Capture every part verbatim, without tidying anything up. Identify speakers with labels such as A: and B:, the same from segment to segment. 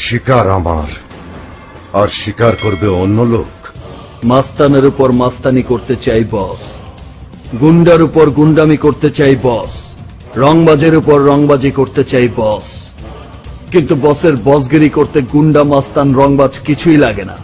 A: শিকার আমার, আর শিকার করবে অন্য লোক।
B: মাস্তানের উপর মাস্তানি করতে চাই বস, গুন্ডার উপর গুন্ডামি করতে চাই বস, রংবাজের উপর রংবাজি করতে চাই বস। কিন্তু বসের বসগিরি করতে গুন্ডা মাস্তান রংবাজ কিছুই লাগে না।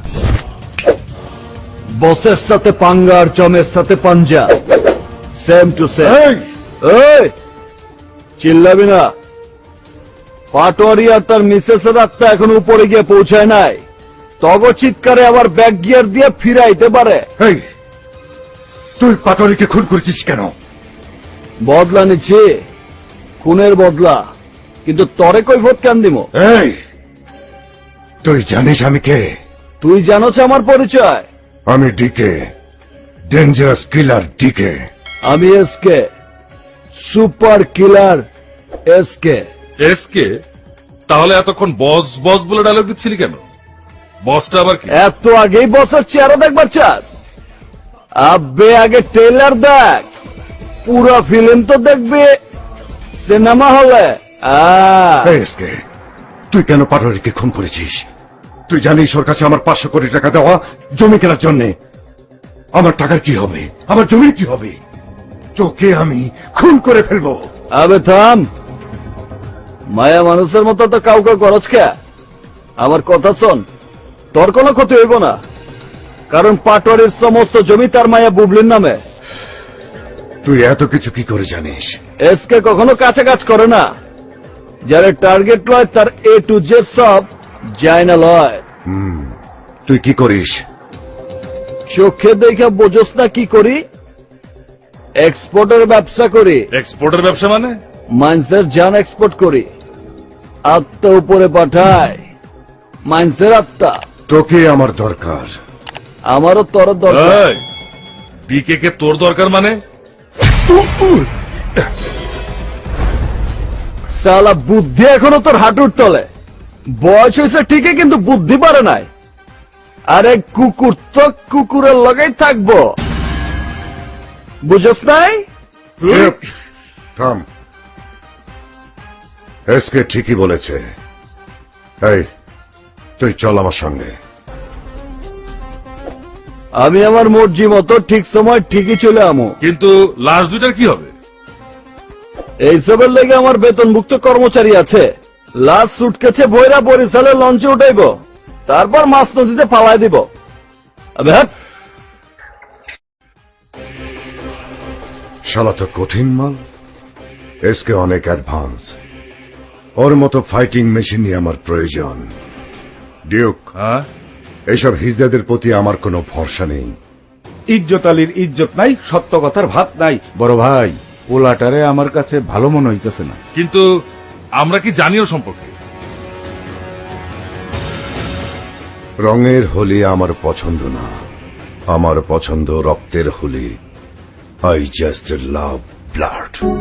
B: বসের সাথে পাঙ্গা আর জমের সাথে পাঞ্জা, সেম টু সেম। এই চিল্লাবি না। পাটোয়ারি আর তার মিসেসের আত্মা এখন উপরে গিয়ে পৌঁছায় নাই। তব চিৎকারে আবার ব্যাক গিয়ার দিয়ে ফিরাইতে পারে।
A: এই তুই পাটোয়ারিকে খুন করেছিস কেন?
B: বদলা নিচ্ছি, খুনের বদলা। কিন্তু তরে কৈফত কেন দিব?
A: এই তুই জানিস আমি কে?
B: তুই জানোছ আমার পরিচয়?
A: আমি ডিকে, ডেঞ্জারাস কিলার ডিকে।
B: আমি SK, super killer SK.
C: SK? তাহলে এতক্ষণ বস বস বলে ডায়লগ দিচ্ছিলি কেন? বসটা আবার কি?
B: এত আগেই বসের চেহারা দেখবার চাস? আব্বে আগে ট্রেলার দেখ, পুরো ফিল্ম তো দেখবে সিনেমা হলে।
A: এই এসকে, তুই কেন পাটোয়ারিকে খুন করেছিস? তুই জানিস ওর কাছে আমার পাঁচশো কোটি টাকা দেওয়া জমি কেনার জন্য। আমার টাকার কি হবে? আমার জমির কি হবে? তোকে আমি খুন করে ফেলবো।
B: আবে থাম, মায়া মানুষের মতো তো কাউকে গরজ কে। আমার কথা শোন, তোর কোনো ক্ষতি হইব না, কারণ পাটোয়ারির সমস্ত জমি তার মায়া বুবলির নামে।
A: তুই এত কিছু কি করে জানিস?
B: এসকে কখনো কাছে কাজ করে না। যারা টার্গেট লয় তার এ টু জে সব যায় না লয়।
A: তুই কি করিস?
B: চোখে দেখে বোঝস না কি করি? এক্সপোর্টের ব্যবসা করি।
C: এক্সপোর্টের ব্যবসা মানে?
B: মাইন্সের জান এক্সপোর্ট করি, আত্মা উপরে পাঠায়। মাইন্সের আত্মা।
A: তোকে আমার দরকার।
B: আমারও তোর দরকার।
C: ডিকে কে তোর দরকার মানে?
B: সালা বুদ্ধি এখনো তোর হাঁটুর তলে। বয়স হয়েছে ঠিকই, কিন্তু বুদ্ধি পারে নাই। আরে কুকুর তো কুকুরের লগেই থাকবো, বুঝস নাই?
A: থাম, এসকে ঠিকই বলেছে। এই তুই চল আমার সঙ্গে।
B: আমি আমার মর্জি মতো ঠিক সময় ঠিকই চলে আমো।
C: কিন্তু লাশ দুইটার কি হবে?
B: এইসবের লেগে আমার বেতনভুক্ত কর্মচারী আছে। লাস্ট সুটকেছে বইরা বরিশালে লঞ্চে উঠাইব, তারপর মাছ নদীতে ফালাই দিব। আবে হাট।
A: শালা তো কঠিন মাল। এসকে অনেক অ্যাডভান্স। ওর মতো ফাইটিং মেশিনই আমার প্রয়োজন। ডিউক,
C: হ্যাঁ,
A: এইসব হিজদাদের প্রতি আমার কোনো ভরসা নেই।
D: ইজ্জত আলীর ইজ্জত নাই, সত্য কথার ভাত নাই। বড় ভাই, ওলাটারে আমার কাছে ভালো মনে হইতেছে না।
C: কিন্তু আমরা কি জানিও সম্পর্কে?
A: রঙের হোলি আমার পছন্দ না, আমার পছন্দ রক্তের Holi. I just love blood.